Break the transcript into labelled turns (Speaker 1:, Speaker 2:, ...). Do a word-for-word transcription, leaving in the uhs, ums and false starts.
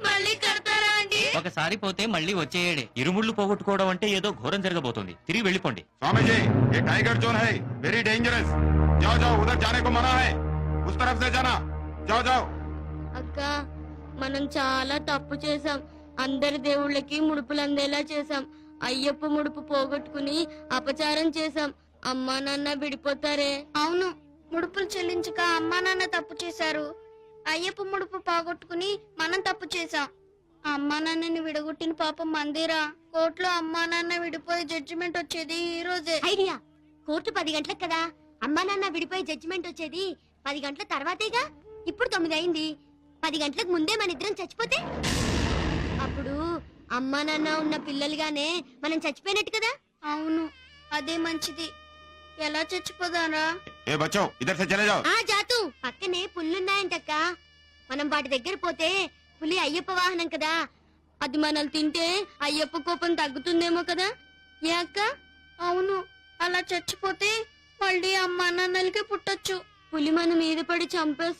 Speaker 1: మళ్ళీ కడతారా అండి?
Speaker 2: ఒకసారి పోతే మళ్ళీ వచ్చేయడే. ఇరుముళ్ళు పోగొట్టుకోవడం అంటే ఏదో ఘోరం జరగబోతోంది. తిరిగి వెళ్ళిపోండి.
Speaker 3: स्वामी जी ये टाइगर जोन है, वेरी डेंजरस। जाओ जाओ, उधर जाने को मना है, उस तरफ से जाना। जाओ जाओ।
Speaker 1: అక్క మనం చాలా తప్పు చేసాం. అందరి దేవుళ్ళకి ముడుపులు అందేలా చేసాం. అయ్యప్ప ముడుపు పోగొట్టుకుని అపచారం చేసాం. అమ్మా నాన్న విడిపోతారే. అవును, ముడుపులు చెల్లించక అమ్మా నాన్న తప్పు చేశారు. అయ్యప్ప ముడుపు పోగొట్టుకుని మనం తప్పు చేసాం. అమ్మా నాన్నని విడగొట్టిన పాపం మందిరా. కోర్టులో అమ్మా నాన్న విడిపోయి జడ్జిమెంట్ వచ్చేది ఈ రోజే.
Speaker 4: ఐడియా. కోర్టు పది గంటలకు కదా, అమ్మా నాన్న విడిపోయి జడ్జిమెంట్ వచ్చేది పది గంటల తర్వాతేగా. ఇప్పుడు తొమ్మిది అయింది. పది గంటలకు ముందే మన ఇద్దరం చచ్చిపోతే అప్పుడు అమ్మా నాన్న ఉన్న పిల్లలుగానే మనం చచ్చిపోయినట్టు కదా.
Speaker 1: అవును, అదే మంచిది. ఎలా చచ్చిపోదారా?
Speaker 3: ए बच्चों इधर से चले जाओ।
Speaker 4: ఆ జాతు, పక్కనే పుల్లున్నాయంటక్క. మనం వాటి దగ్గర పోతే పులి అయ్యప్ప వాహనం కదా,
Speaker 1: అది మనల్ని తింటే అయ్యప్ప కోపం తగ్గుతుందేమో కదా. ఏ అక్క? అవును, అలా చచ్చిపోతే మళ్ళీ అమ్మా నాన్నలకి పుట్టొచ్చు. పులి మన మీద పడి చంపేస్తే